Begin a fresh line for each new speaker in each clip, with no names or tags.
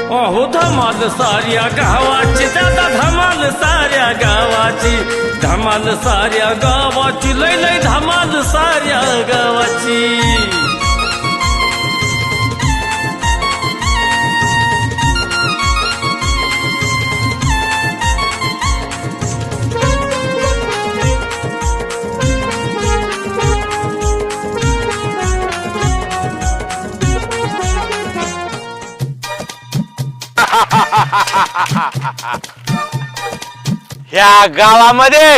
अहो धमाल साऱ्या गावाची दादा धमाल साऱ्या गावाची धमाल साऱ्या गावाची लय लय धमाल साऱ्या गावाची
ह्या गावामध्ये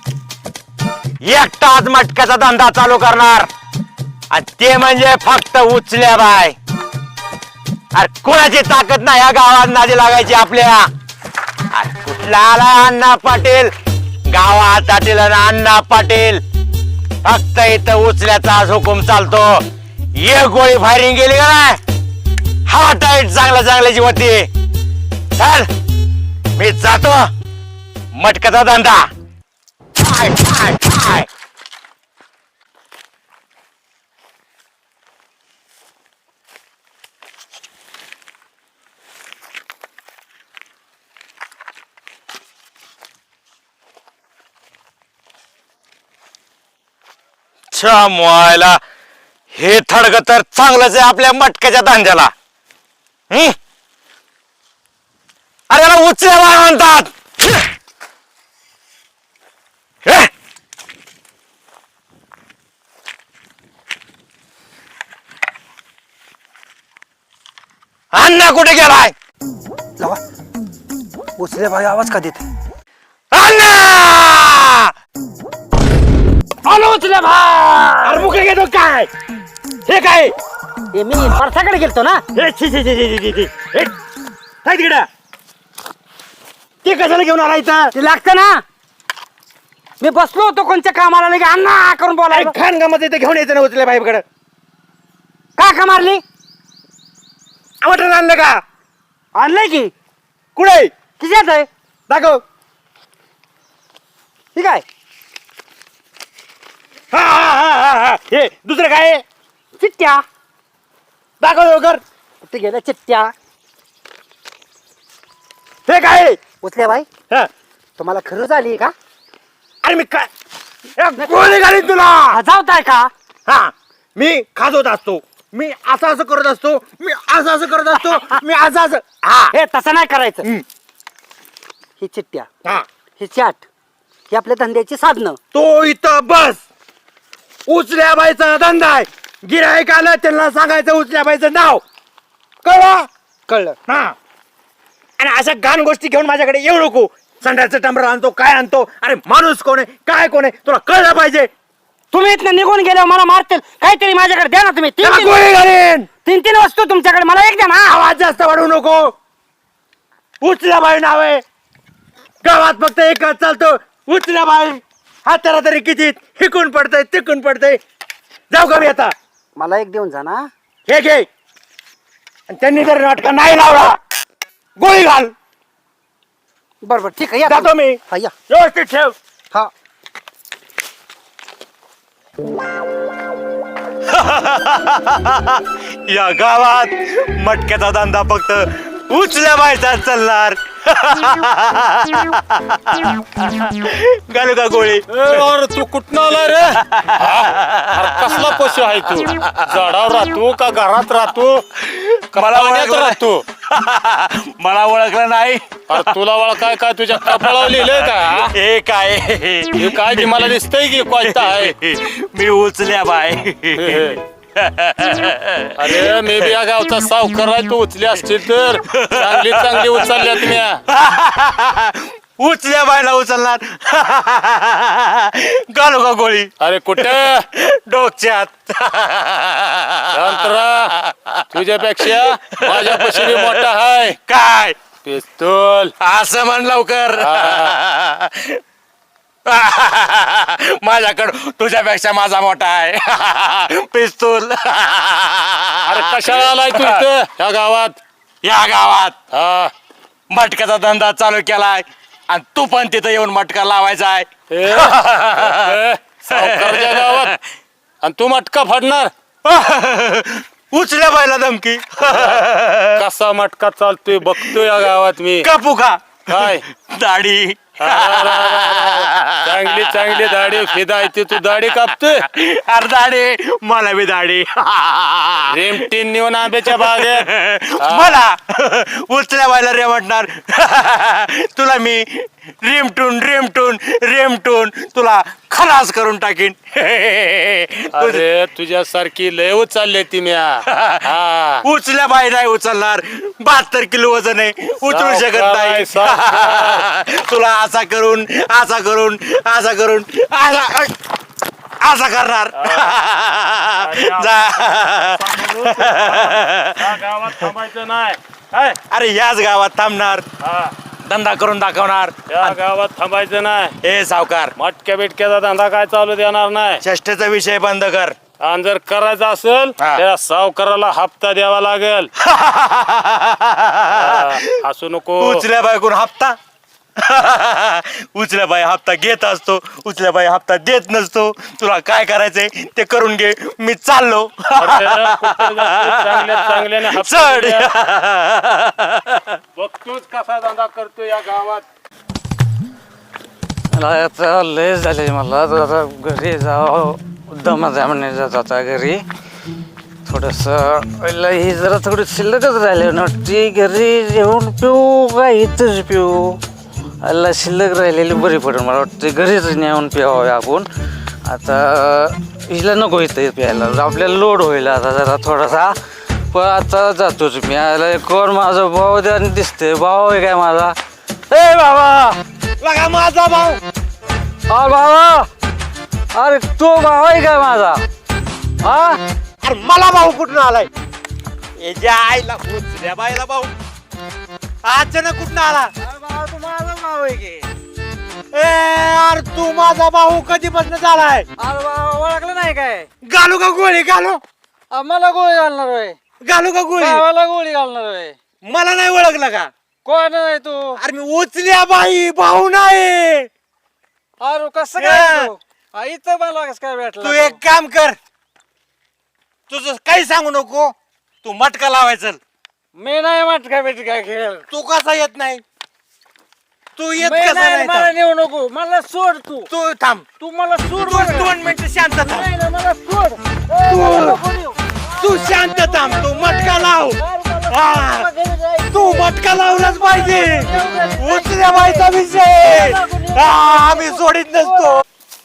एकटाच मटक्याचा धंदा चालू करणार आणि ते म्हणजे फक्त उचल्या बाय. अरे कोणाची ताकद नाही या गावात नादी लागायची आपल्या. अरे कुठला आला अण्णा पाटील गावात आतील अण्णा पाटील फक्त इथं उचल्याचाच हुकूम चालतो. एक गोळी फायरिंग गेली का नाही हवा टाईट चांगल्याची होती. चल मी जातो मटक्याचा धंदा. आय, आय, आय. छा मोयला हे थडग तर चांगलंच आहे आपल्या मटक्याच्या धंद्याला. अरे याला उचल्या म्हणतात. अण्णा कुठे गेलाय?
उचले भाई आवाज का देते?
अण्णा
आलो उचले भाई.
अरे मुके घेतो काय हे काय
हे मी परसाकडे गेलतो ना.
हे छी छी छी छी छी छी हे काय तिकडे ते कशाला घेऊन आला इथं?
ते लागतं ना. मी बसलो होतो कोणत्या कामाला लगे अण्णा करून बोलायला.
खान कामात इथे घेऊन यायचं ना उचल्या भाईकडे.
का मारली?
मटण आणलं का?
आणलंय की.
कुठे
किती आहे?
दाखव.
ठीक आहे.
हा हा हा हा हा हे दुसरं काय आहे?
चिट्ट्या.
दाखव लवकर.
कुठे गेल्या चिट्ट्या?
हे काय आहे?
उचले भाई
हा.
तुम्हाला खरंच आली का?
अरे मी काय गोळी घालीन तुला.
हजावताय का?
हा मी खाजवत असतो. मी असं करत असतो. मी असं करत असतो. मी असं हा
हे तसं नाही करायचं.
हम्म.
ही चिट्ट्या,
हा
हे चाट, ही आपल्या धंद्याची साधनं.
तो इथं बस. उचल्या बाईचा धंदा आहे. गिऱ्हाईक आलं त्यांना सांगायचं उचल्या बाईचं नाव. कळलं?
कळलं.
हा आणि अशा घाण गोष्टी घेऊन माझ्याकडे येऊ नको. संध्याचं टंबर आणतो काय आणतो. अरे माणूस कोण आहे काय कोण आहे तुला कळलं पाहिजे.
तुम्ही इथनं निघून गेल्यावर मला मारतील. काहीतरी माझ्याकडे द्या ना तुम्ही.
त्याला गोळी घालीन.
तीन वस्तू तुमच्याकडे, मला एक द्या ना.
आवाज जास्त वाढवू नको. उचल्या बाई नाव आहे. गावात फक्त एकच चालतो उचल्या बाई. हा त्याला तरी किती हिकून पडतंय तिकून पडतंय. जाऊ का मी आता?
मला एक देऊन जा ना.
हे घे. आणि त्यांनी जर नाटका नाही लावला गोळी घाल.
बरोबर ठीक आहे. या
जातो मी.
हा, या.
व्यवस्थित ठेव.
हा.
या गावात मटक्याचा धंदा फक्त उचल्या बायचा चालणार. घालू का गोळी?
अरे तू कुठं आला रे? अरे कसला पशु आहे तू? झाडावर राहतो का घरात राहतो का
मला
पाण्यात
ओळखलं
राहतो?
मला ओळखलं नाही.
अरे तुला वळ काय तुझ्या कपाळावर लिहिलंय का?
हे काय
हे काय की मला दिसतंय की कोणता आहे?
मी उचल्या बाय.
अरे मी बी या गावचा सावकार आहे. तू उचली असतील तर चांगली उचलल्या तुम्ही.
उचल्या बायला उचलणार. घालू का गोळी?
अरे कुठं
डोक्यात.
अंतरा तुझ्यापेक्षा माझ्या पशी मोठा आहे.
काय
पिस्तूल.
असं म्हण लवकर. माझ्याकडं तुझ्यापेक्षा माझा मोठा आहे पिस्तूल.
अरे कशाला आलाय तू इथं या गावात?
या गावात
हा
मटक्याचा धंदा चालू केलाय आणि तू पण तिथं येऊन मटका लावायचा आहे.
सावकारच्या गावात आणि तू मटका फाडणार?
उचल्या बायला धमकी
कसा मटका चालतोय बघतोय या गावात मी.
कापू का
काय
दाढी
चांगली चांगली दाढी फिदायची, तू दाढी कापतोय.
अरे दाढी मला बी दाढी
रेमटीन नेऊन आंब्याच्या बागेत
मला उचल्या बायला रे म्हणणार तुला मी रेमटून रेमटून रेमटून तुला खलास करून टाकीन
अरे तुझ्यासारखी लय उचलले ती म्या. हा.
उचल्या बाई नाही उचलणार 72 किलो वजन आहे उचलू शकत नाही तुला असा करून असा करून असा करून असा असा करणार जा
या गावात थांबायचं नाही काय?
अरे याच गावात थांबणार
हा.
धंदा करून दाखवणार
या गावात थांबायचं नाही.
हे सावकार
मटक्या बिटक्याचा धंदा काय चालू देणार नाही.
चेष्टेचा विषय बंद कर
आणि जर करायचं असेल
हा.
त्या सावकाराला हप्ता द्यावा लागेल. असू नको.
उचल्या बायकून हप्ता उचल्या बाई हप्ता घेत असतो उचल्या बाई हप्ता देत नसतो तुला काय करायचंय ते करून घे मी चाललो
चांगल्या चांगल्याने हप्ता
चढ
द्या. बघतोच कसा धंदा करतो या गावात.
मला आता लय झाले मला जरा घरी जावं दमा जामने जात आता घरी थोडंसं ही जरा थोडी शिल्लकच राहिले नव्हती घरी जेवण पिऊ का इथंच पिऊ अल्ला शिल्लक राहिलेली बरी पडेल मला वाटतं घरीच नेऊन प्यावं आपण आता हिला नको इथं प्यायला आपल्याला लोड होईल आता जरा थोडासा पण आता जातोच मी आला कोण माझा भाऊ द्या दिसते भाऊ आहे काय माझा ए बाबा
बघा माझा भाऊ
हा बाबा अरे तो भाऊ आहे काय माझा हा
अरे मला भाऊ कुठून आलाय याच्या आईला उचल्या बाईला भाऊ अचानक कुठून आला
तू माझा भाऊ आहे की
ए अरे तू माझा भाऊ कधीपासून झालाय
अरे बाबा ओळखलं नाही काय
घालू का गोळी घालू
मला गोळी घालणार होय
घालू का गोळी
भावाला गोळी घालणार होय
मला नाही ओळखलं का
कोण आहे तू
अरे मी उचल्या बाई भाऊ नाही
अरे कसं काय तू? इथं मला कसं काय
तू
भेटला
एक काम कर तुझं काही सांगू नको तू मटका लावायचं
मी नाही मटका बिटका खेळ
तू कसा येत नाही तू येत
मी
कसा
नाही,
नाही
मला
थांब.
नेऊ नको मला सोड तू
तू थांब
तू मला सोड
तू
बरं.
2 मिनिटं शांत थांब
नाही ना, मला सोड ए, मला नको नेऊ.
तू शांत थांब तू मटका लाव
अरे मला
हा.
मला घरी जायचं.
तू मटका लावलाच पाहिजे उचल्या बाईचा विषय हा, आम्ही सोडित नसतो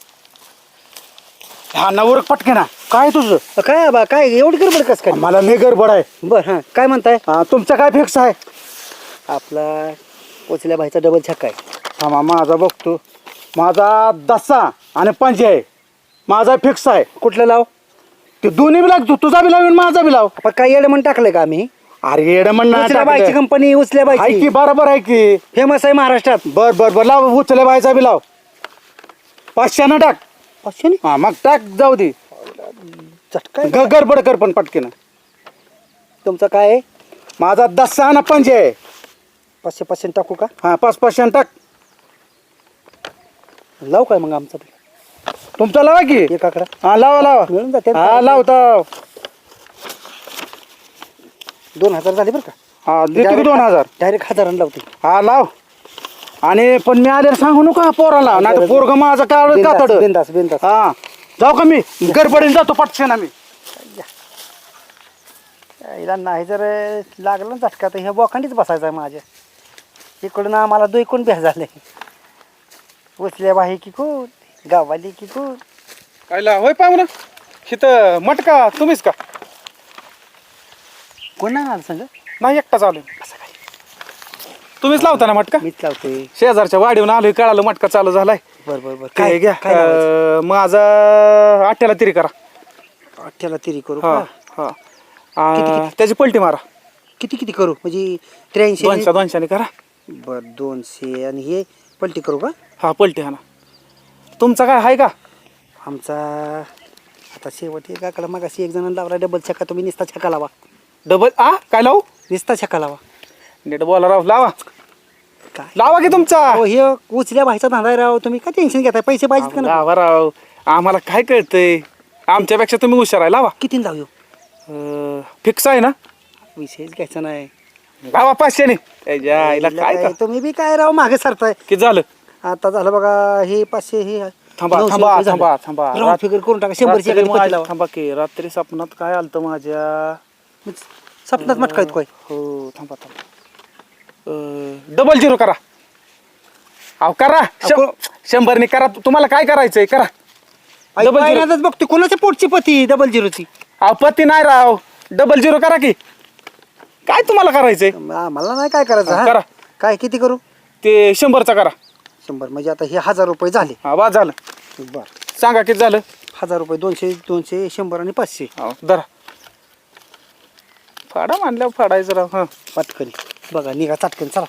हा नवर पटके ना काय तुझं
काय बा काय एवढी गडबड कस काय
मला लय गडबड आहे
बर हा काय म्हणताय
तुमचं काय फिक्स आहे
आपला पोचल्या भाईचा डबल छक्का आहे
थांबा माझा बघतो माझा दसा आणि पंजे आहे माझा फिक्स आहे
कुठलं लाव
ते दोन्ही बी लागतो तुझा बी लाव आणि माझा बी लाव
आपण काय येडं म्हणून टाकलंय का आम्ही
अरे येडं
उचल्या बाईची
म्हणणार
कंपनी उचल्या
आहे
बाईची
की बरोबर आहे की
फेमस आहे महाराष्ट्रात
बर बर बर लाव उचले बायचा बी लाव 500 टाक
500
हा मग टाक जाऊ दे
झटका
गडबड कर पण पटकेनं
तुमचं काय आहे
माझा दसा आणि पंजे आहे
500 टाकू का
हा 500 टाक
लाव काय मग आमचं
तुमचा लावा की
एक आकडा
हा लावा लावा
मिळून जाते
हा लावता
2000 झाले बरं का
हा देतो की 2000
डायरेक्ट 1000 लावते
हा लाव आणि पण मी आल्यावर सांगू नका पोराला नाही तर पोरग माझं काळ कातड
बिंदास बिंदास
हा जाऊ का मी गडबडीने जातो पटशन आम्ही
याला नाही जर लागलं ना झटका तर ह्या बोखांडीच बसायचं आहे माझ्या इकडून आम्हाला दुईकून भ्या झाले उचल्या बाई की कोण गावाली की कोण
कायला होय पाहू ना इथं मटका तुम्हीच का
कोण नाही आलं सांग
नाही एकटा चालू तुम्हीच लावता ना मटका
मीच लावतोय
शेजारच्या वाडीहून आलोय कळालं मटका चालू झालाय
बरं बरं बरं
काय घ्या
काय लावायचं?
माझा 8 तिरी करा
अठ्ठ्याला तिरी करू
हा
का?
हा त्याची पलटी मारा
किती किती करू म्हणजे 83
200 करा
बर 200 आणि हे पलटी करू का
हा पलटी हा ना तुमचा काय आहे का
आमचा आता शेवट एक आकडा मग एक जण लावला डबल छक्का तुम्ही निस्ता छक्का लावा
डबल काय लावू
निस्ता छक्का लावा
नीट बोला राव लावा
काय
लावा की तुमचा
हो हे उचल्या भाईचा धंदा आहे राव तुम्ही काय टेन्शन घेताय पैसे पाहिजेत का ना
लावा राव आम्हाला काय कळतंय आमच्यापेक्षा तुम्ही हुशार आहे लावा
किती लावू
फिक्स आहे ना
विषयच घ्यायचा नाही.
भावा 500 ने त्याच्या आईला काय
काय तुम्ही बी काय राव मागे सरताय.
किती झालं
आता झालं बघा हे 500 हे
थांबा
900
थांबा
रुपये झाले.
थांबा थांबा
राऊंड फिगर करून टाका 100ची
रात्री
एखादी पट्टी
माझ्या-
लावा.
थांबा की रात्री स्वप्नात काय आलतं माझ्या
सपनात मटकायत काय
हो थांबा थांबा डबल झिरो करा अहो करा 100 करा तुम्हाला काय करायचंय करा डबल झिरो
पहिल्यांदाच बघतो कोणाच्या पोटची पती डबल झिरोची.
अहो पती नाही राव डबल झिरो करा की काय तुम्हाला करायचंय
मला नाही काय करायचं हा?
करा.
काय किती करू?
ते 100चा करा
100 म्हणजे आता हे 1000 रुपये झाले.
हा बा झालं
बर
सांगा किती झालं
1000 रुपये 200 200 100 आणि 500
हो धरा फाडा मानल्यावर फाडायचं राव हा
पटकन बघा निघा चटकन चला.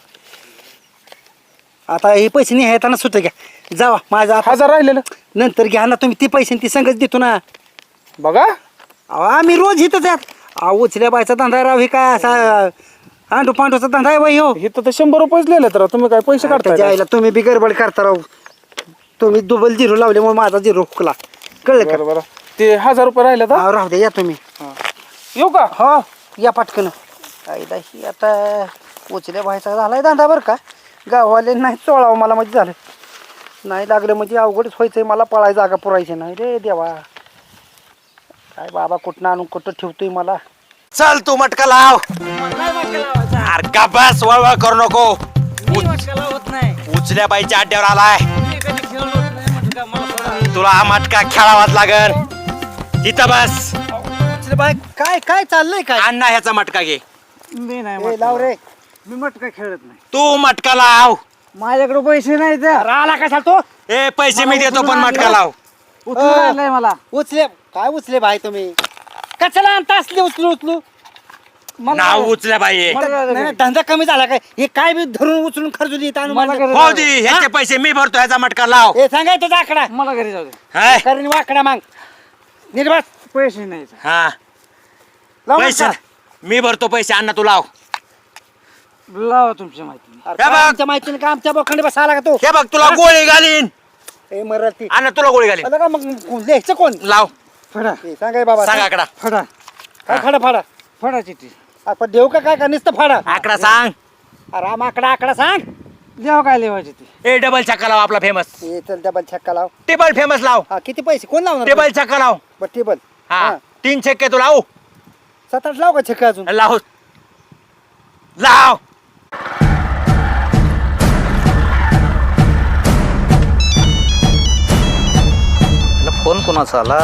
आता हे पैसे नाही येताना सुद्धा घ्या जावा माझा
1000 राहिलेलं
नंतर घ्या ना तुम्ही ती पैसे ती संगच देतो ना.
बघा
अहो, आम्ही रोज इथंच यात अहो उचल्या बायचा धंदा राव हे काय असा आंडू पांडूचा धंदा आहे बाई हो.
इथं तर 100 रुपयेच लिहिले तर तुम्ही काय पैसे
त्याच्या
काढताय
आईला तुम्ही बी गडबड करता राव. तुम्ही डबल झिरो लावल्यामुळे माझा झिरो हुकला कळलं का?
बरं बरं ते 1000 रुपये राहिले तर
अहो, राहू दे या तुम्ही
येऊ का
हो या पटकन. आईला ही आता उचल्या बायचा झालाय धंदा बरं का. गाववाले नाही चोळावं मला म्हणजे झालं नाही लागलं म्हणजे अवघडच व्हायचंय मला पळाय जागा पुरायची नाही रे देवा. काय बाबा कुठं आणून कुठं ठेवतोय मला.
चल तू मटका लाव अरे का बस वळवळ करू नको उचल्या बाईच्या अड्ड्यावर आलाय तुला हा मटका खेळावाच लागल तिथं बस
उचल्या बाय काय काय चाललंय काय
अण्णा ह्याचा मटका घे
मी
ए,
नाही
लाव रे
मी मटका खेळत नाही.
तू मटका लाव
माझ्याकडे पैसे नाही तर
आला कशा तो
ए पैसे मी देतो पण मटका लाव
उचलून आणलंय मला.
उचले काय उचले भाई तुम्ही कशाला आणता असले उचलू उचलू
नाव उचल्या बाई
नाही, नाही, धंदा कमी झाला काय हे काय बी धरून उचलून खर्जुली येत
मला घरी
हो दे ह्याचे पैसे मी भरतो ह्याचा मटका लाव
हे सांगाय तुझा आकडा
मला घरी जाऊ दे.
हाय?
कारण वाकडा माग निर्वास
पैसे नाही तर.
हा
लाव
पैसे
नका.
मी भरतो पैसे अण्णा तू लाव
लावा तुमच्या माहिती.
अरे
हे
काय
बघ.
आमच्या माहितीने का आमच्या बोखंडी बसायला का तो
हे बघ तुला गोळी घालीन
हे मराठी
अण्णा तुला गोळी घालीन
आलं का मग लिहायचं कोण
लाव
फडा
हे सांगाय बाबा
सांग आकडा
फडा
काय फाडा फाडा
फडा चिठ्ठी
आपण देऊ का काय का नुसतं फाडा
आकडा सांग
अरे आम आकडा सांग
लिहा काय लिहायची ती.
ए डबल छक्का लाव आपला फेमस
हे चल डबल छक्का लाव
टेबल फेमस लाव
हा किती पैसे कोण लावणार
टेबल छक्का लाव
बरं टेबल
हा 3 छक्के तू लाव
7-8 लाव का छक्का अजून
लाव लाव
फोन कोणाचा आला.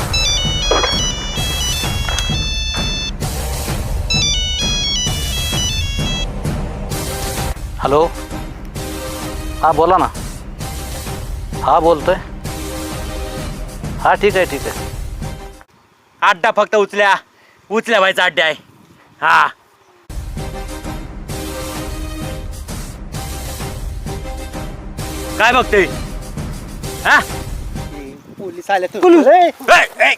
हॅलो हा बोला ना. हा बोलतोय. हा ठीक आहे ठीक आहे.
अड्डा फक्त उचल्या व्हायचा अड्डा आहे हा काय बघतोय हा
पोलीस आले तुम्ही
ए, ए.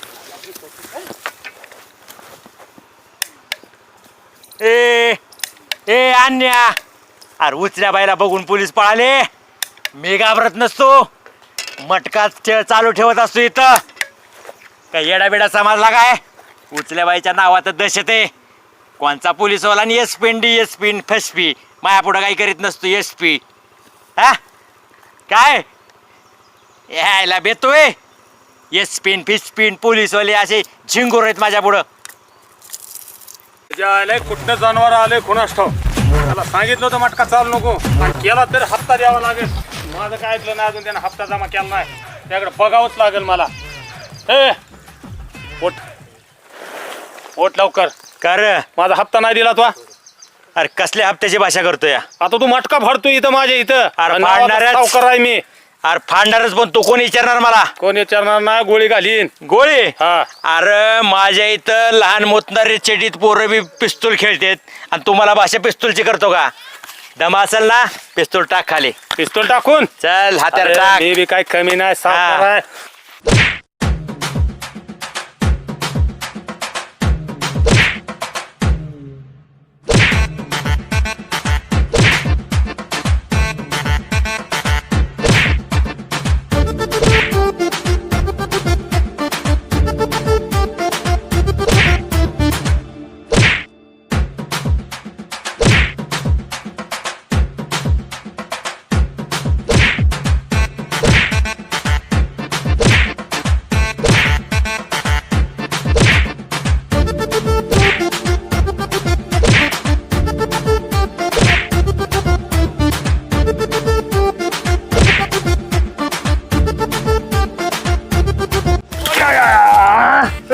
ए ए अन्या अरे उचल्या बाईला बघून पोलीस पळाले मी घाबरत नसतो मटका खेळ चालू ठेवत असतो इथं काय येडाबिडा समजला काय उचल्या बाईच्या नावात दहशत आहे कोणचा पोलीसवाला आणि S P D S P फसपी माया पुढं काही करीत नसतो एस पी हा काय यायला बेतोय एस पिन फिस पिन पोलीसवाले असे झिंगूर आहेत माझ्या पुढं
आलंय कुठनं जनावर आलंय कोणास ठाव त्याला सांगितलं होतं मटका चालू नको आणि केला तरी हप्ता द्यावा लागेल माझं काय ऐकलं नाही अजून त्यानं हप्ता जमा केला नाही त्याकडे बघावंच लागेल मला ए ओट ओट लवकर
कर
माझा हप्ता नाही दिला तो
अरे कसल्या हप्त्याची भाषा करतोय
आता तू मटका फाडतोय इथं माझ्या इथं
अरे
आणि नावाचा
फाडणारच.
सावकार आहे मी
अरे फाडणारच पण तू कोण विचारणार मला
कोण विचारणार नाही गोळी घालीन
गोळी
हा
अरे माझ्या इथं लहान मोतणारे चेटीत पोरं बी पिस्तूल खेळतेत आणि तुम्हाला भाषा पिस्तूलची करतो का दम असेल ना पिस्तूल टाक खाली
पिस्तूल टाकून
चल हात्यार
अरे,
टाक
मी बी काय कमी नाही सावकार
हा.
आहे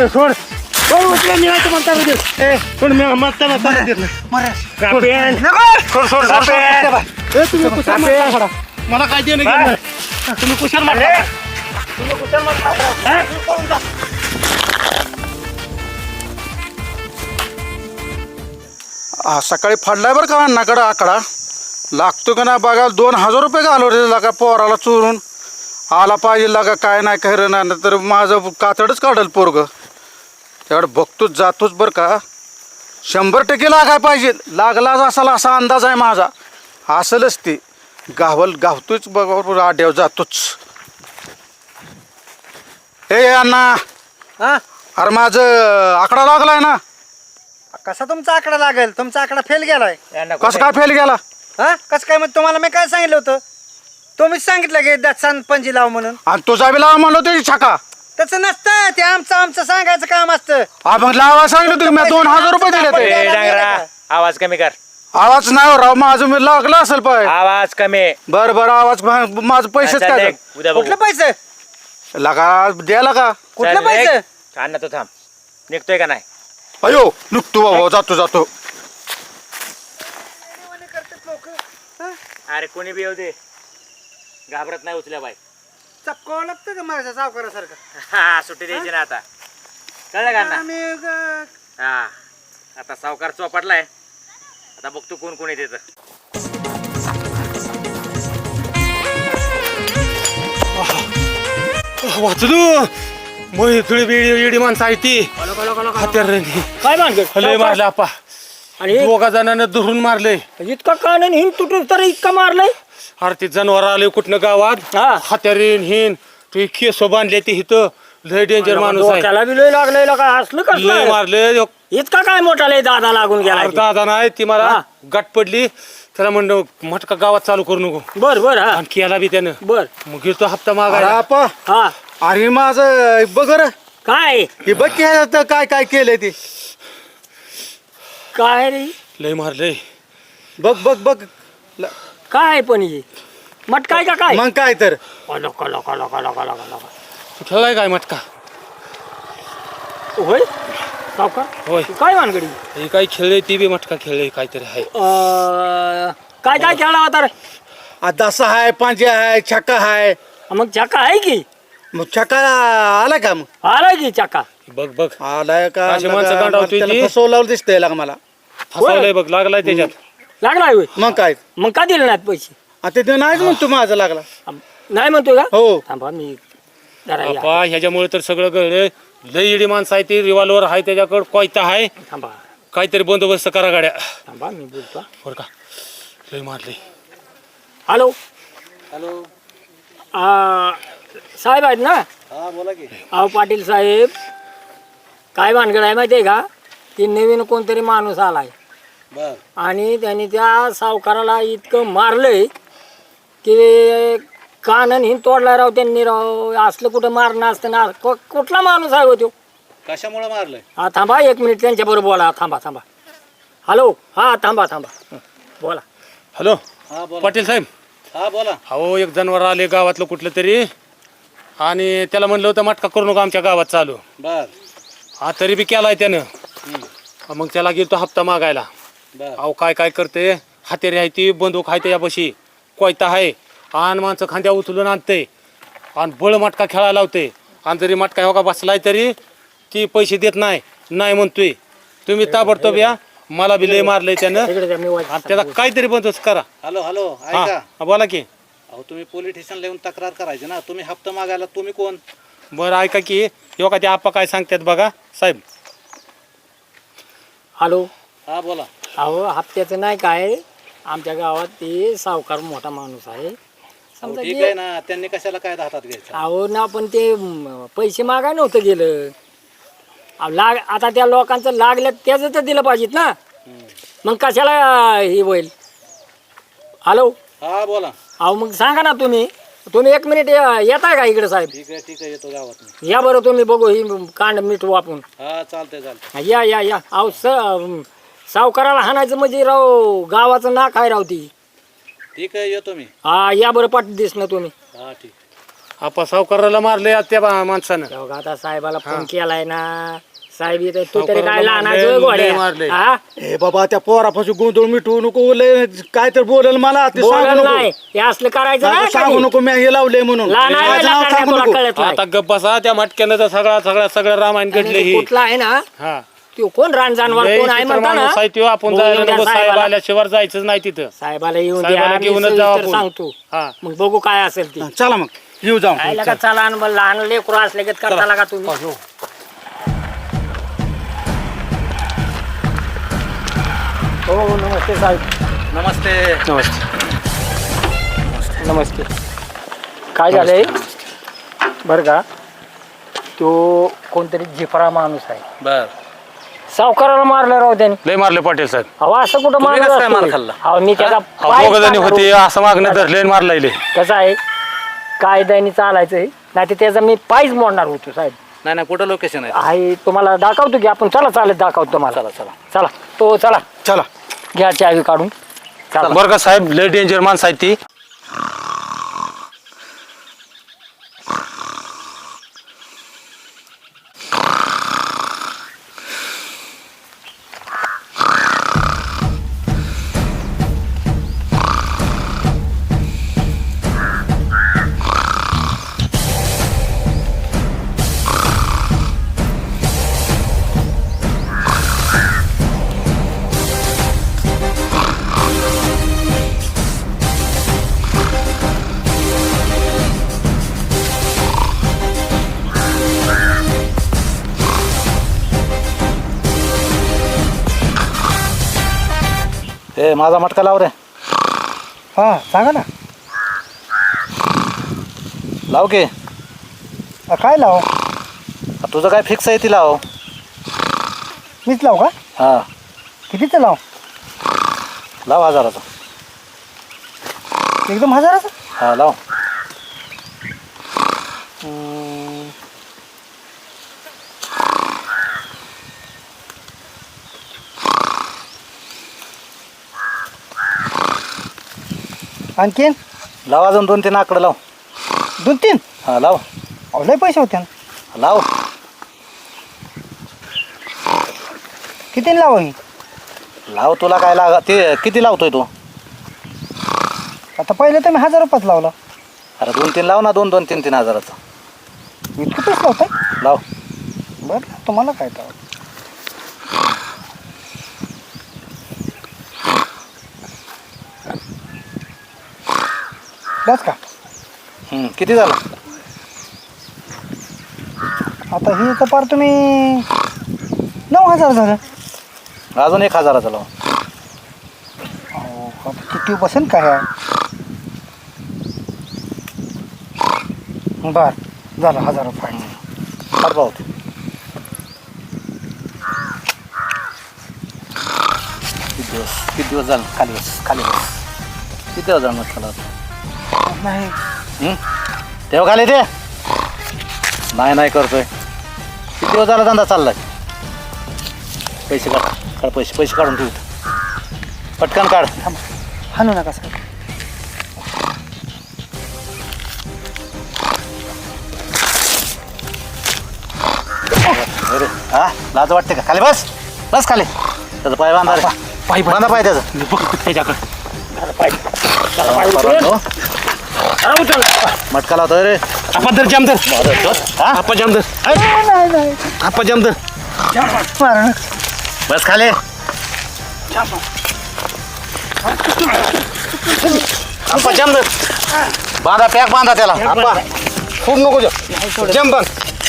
सोड उचला मी नाही म्हणता सोड मी म्हणता देत नाही मला काय देणं घेणं नाही. तुम्ही कुशाल मारता तुम्ही कुशाल मारता
सकाळी फाडलाय बरं का अण्णाकडं आकडा लागतो का ना बघा 2000 रुपये घालवले लागा पोराला चोरून आला पाहिजे लागा काय नाही खरं नाही तर माझं कातडच काढल पोरग त्याकडे बघतोच जातोच बरं का 100% लागाय पाहिजे लागलाच असाल असा अंदाज आहे माझा असलच ते गावतोच बघा आड्यावर जातोच हे अण्णा
हा
अरे माझं आकडा लागलाय ना
कसा तुमचा आकडा लागेल तुमचा आकडा फेल गेलाय
कसं काय फेल गेला
हा कसं काय मग तुम्हाला मी काय सांगितलं होतं तुम्हीच सांगितलं की दात पंजी लाव म्हणून
आणि तुझा बी लावा म्हणलो त्याची छका
तसं नसतं ते आमचं सांगायचं काम असतं
हा मग लावा सांगितलं तुम्ही मी 2000 रुपये दिले ते
ए, डांगरा आवाज कमी कर.
आवाज नाही हो राव माझं मी लागला असेल पाय
आवाज कमी.
बरं आवाज माझं पैसेच
चल,
काय
निघ. उद्या बघू.
कुठलं पैसे
लगा द्यायला का
कुठलं
चल, निघ.
पैसे
अण्णा तू थांब. निघतोय का नाही?
अयो नुकतो बाबा जातो
अरे कोणी बी येऊ दे घाबरत नाही उचल्या बाई.
चपकावं लागतं का माझ्या सावकारासारखं
हा सुट्टी द्यायची ना आता कळलं का अण्णा?
आम्ही
हा आता सावकार चोपटलाय आता बघतो कोण कोणी देत.
वाचलो मग थोडी वेळी माणसं आहे ती हत्यार
काय मानगड
लय मारले आपा
आणि
दोघा जणांना धरून मारले
इतका कान हिन तुटून तर इतका मारलंय
अरे ते जनावर आले कुठनं गावात
हा.
हत्यारीन हिन तू केस बांधले ते इथं लय डेंजर माणूस आहे
त्याला बी लय लागलंय का असलं
लय
कसं
मारले
इतका काय मोठा लय दादा लागून गेला
दादा नाही ती मला
हा.
गाठ पडली त्याला म्हणलं मटका गावात चालू करू नको
बर हा
आणि केला बी त्यानं
बर
मग गेलो हप्ता
अरे
मागायला
आपा
हा
अरे माझं बघ रे
काय
हे बघ की ह्याच्यात काय केलंय ते
काय रे
लय मारलंय
बघ
काय पण हे मट काय का काय
मग काय तर
लका लका लका लका लका लका
तू खेळलाय काय मटका
होय सावकार
होय
काय मानगडी
हे काय खेळले ती बी मटका खेळले काहीतरी आहे
काय काय खेळला होता रे
दसा आहे पांज्या आहे छक्का आहे
मग चक्का आहे की
मग छक्का आला का मग
आलाय की चक्का
बघ
आलाय का
अशी माणसं गांडावतोय ती.
त्याला फसवलं दिसतंय लागा मला
फसवलंय बघ लागलाय त्याच्यात
लागलाय होय
मग काय
मग का दिले नाहीत पैसे
आता ते नाहीच म्हणतो माझा लागला
नाही म्हणतोय का
हो
थांबा मी जरा या.
बापा ह्याच्यामुळे तर सगळं कळलं लय इडी माणसं आहे ती रिव्हॉल्वर आहे त्याच्याकडे कोयता आहे
थांबा
काहीतरी बंदोबस्त करा गाड्या
थांबा मी बोलतो
बरं का लय मारले
हॅलो साहेब आहेत ना
हा बोला की
अहो पाटील साहेब काय भानगड आहे माहिती आहे का की नवीन कोणतरी माणूस आलाय
बर
आणि त्यांनी त्या सावकाराला इतकं मारलंय की कानन हिन तोडला राव त्यांनी राव असलं कुठं मारणं असतं ना कुठला माणूस आहे हो तो
कशामुळे मारलंय
हा थांबा 1 मिनिट त्यांच्याबरोबर बोला थांबा हॅलो हा थांबा बोला
हॅलो
हा बोला
पाटील साहेब
हा बोला
अहो एक जनावर आले गावातलं कुठलं तरी आणि त्याला म्हणलं होतं मटका करू नका आमच्या गावात चालू
बर
हा तरी बी केलाय त्यानं मग त्याला गेलो हप्ता मागायला
बर
अहो काय करते हातेरी आहे ती बंदूक आहे त्याच्यापाशी कोयता आहे आणि माणसं खांद्या उचलून आणते आणि बळ मटका खेळायला लावते आणि जरी मटका हो का बसलाय तरी ती पैसे देत नाही म्हणतोय तुम्ही ताबडतोब या मला बी लय मारलंय त्यानं
इकडे द्या, मी वाट-
आणि त्याला काहीतरी बंदोबस्त करा
हॅलो
हा बोला की
अहो तुम्ही पोलीस स्टेशनला येऊन तक्रार करायची ना तुम्ही हप्ता मागायला तुम्ही कोण
बरं ऐका की यो का ते आप्पा काय सांगतात बघा साहेब
हॅलो
हा बोला
अहो हप्त्याचं नाही काय आमच्या गावात ते सावकार मोठा माणूस आहे समजा
ठीक
की-
आहे ना त्यांनी कशाला काय हातात घ्यायचं
अहो ना पण ते पैसे मागाय नव्हतं गेलं अहो, आता त्या लोकांचं लागलं त्याचं तर दिलं पाहिजेत ना मग कशाला हे होईल हॅलो
हा बोला
अहो मग सांगा ना तुम्ही 1 मिनिट येताय का इकडे साहेब
ठीक आहे येतो गावात
या बरं तुम्ही बघू ही कांड मीठ वापरून
हा चालतंय
या अहो सावकाराला हाणायचं म्हणजे राव गावाचं नाक आहे राव ती
ठीक आहे येतो मी
हा या बरं पाठ दिस ना तुम्ही
हा ठीक
आपा सावकाराला मारले त्या माणसानं.
तेव्हा आता साहेबाला फोन केलाय ना. साहेब इथे तू तरी
सावकाराला
काय
मारले,
लहान
मारले.
ए बाबा त्या पोरापासून गोंधळ मिटवू नको लय काय तर बोलेल मला ते सांगू
बोलत
नको
नाही हे असलं करायचं
आता
नाही
सांगू
कधी.
नको मी हे लावलंय म्हणून
लहान आहे
माझं नाव
लहान आहे,
सांगू
तुला
नको.
कळत नाही.
आता गप्प बसा त्या मटक्यानं तर सगळं रामायण घडले
आणि
ही.
कुठला आहे ना
हा
तो कोण रान जानवर
लय
कोण आहे
चित्र
म्हणता ना
माणूस आहे त्यो, आपण
बोलून
जायला
द्या
नको. साहेब
साहेबाला.
आल्याशिवाय जायचंच नाही तिथं.
साहेबाला येऊन
साहेबाला
द्या मी
घेऊनच जाऊ
सविस्तर
आपण.
सांगतो.
हा.
मग बघू काय असेल ती
चला मग येऊ जाऊ
काय लगा चला आणि मग लहान लेकरू असले की करता का तुम्ही. हो नमस्ते साहेब.
नमस्ते.
नमस्ते. काय झालंय बरं का तो कोणतरी जिफरा माणूस आहे.
बर
सावकाराला मारलं राव त्याने.
लय मारले पाटील साहेब.
अहो असं कुठं
तुम्ही कसं काय मार
मारलं
खाल्ला?
अहो मी त्याचा पाय
दोघ जणी
काढणार
होते
होतो.
असं मागणं धरले मारलाय.
कसं आहे कायद्याने चालायचंय नाही तर त्याचा मी पायच मोडणार होतो साहेब.
नाही कुठं लोकेशन आहे?
आहे तुम्हाला दाखवतो की आपण चला चालत दाखवतो तुम्हाला. चला तो चला
चला
घ्या चावी काढून चला.
बरं का साहेब लय डेंजर माणसं आहेत ती.
ए माझा मटका लाव रे.
हा सांगा ना
लाव की.
काय लाव
तुझं काय फिक्स आहे ती लाव.
मीच लाव का
हा
कितीचं लाव
लाव 1000चा.
एकदम 1000चं.
हा लाव.
आणखीन
लाव अजून 2-3 आकडे लाव.
2-3
हा लाव
लय पैसे होते ना.
लाव.
किती लाव मी
लाव तुला काय लागा ते किती लावतोय तू?
आता पहिले तर मी 1000 रुपयाच लावला.
अरे 2-3 लाव ना. 2-2, 3-3 हजाराचा
इतकं पैसे लावताय
लाव.
बरं तुम्हाला काय तर बस का
किती झालं?
आता ही तर पार तुम्ही 9000 झालं.
अजून 1000चा लाव.
अहो, आता किती बसेल काय बर झालं 1000 रुपये.
काढ पाहू. किती दिवस झालं? खाली बस. किती दिवस झालं मटका लावतो?
नाही
तेव्हा खाली ते नाही करतोय. किती दिवस झाला धंदा चाललाय? पैसे काढ पैसे काढून ठेव. पटकन काढ.
हाणू नका सर.
अरे हा लाज वाटते का? खाली बस खाली. त्याचा पाय बांधा रे. बांधा पाय त्याचा. मटका लावतोय रे.
आपण तर जामदर
हा?
आपण जामदर
नाही
आपण जामदर.
मारा नका.
बस खाली.
आपण जामदर.
बांधा पॅक बांधा त्याला. आपा.
खूप नको जामबन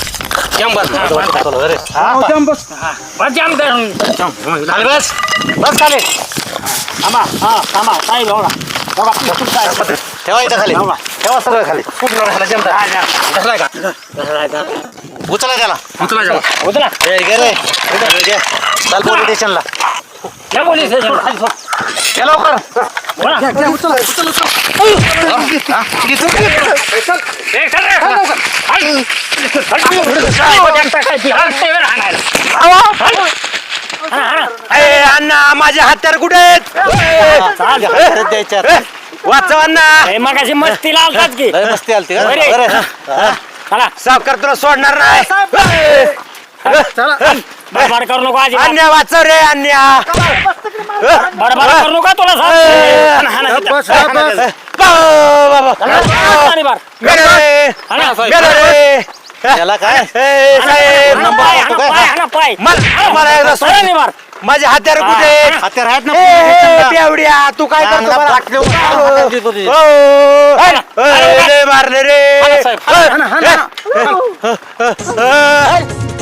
अरे हा?
बस
जामदार
खाली बस खाली.
थांबा साहेब एवढा
ठेवा इथं खाली. ठेवा सगळं खाली. उचला त्याला.
उतरा
ए, घे रे. घे. चल पोलीस स्टेशनला.
या पोलीस स्टेशन
ये लवकर.
अण्णा माझे हत्यार कुठे आहेत?
द्यायच्या.
वाचवांना
मगाशी मस्तीला आलतात की
मस्ती आलती का?
बरे.
बरं.
चला
सावकार तुला सोडणार नाही
बडबड करू नको आजी
अन्या वाचव रे अन्या
बडबड करू नका तुला सांगतो. हाणा, हाणा,
बस,
हाणा.
बस.
हाणा, बार. हाणा.
याला काय
साहेब
हाणा, पाय, हाणा, पाय, हाणा, पाय.
मला एकदा सोड.
हाणा, नाही मार.
माझे हत्यार कुठे आहेत?
हत्यार आहेत ना
बेवड्या तू काय करतो
चांगला
मला?
फाटले उभा.
ओ,
तुझी, तुझी.
ओ, ए, लय मारले रे
हाणा, साहेब.
ए, ए, ए, ए,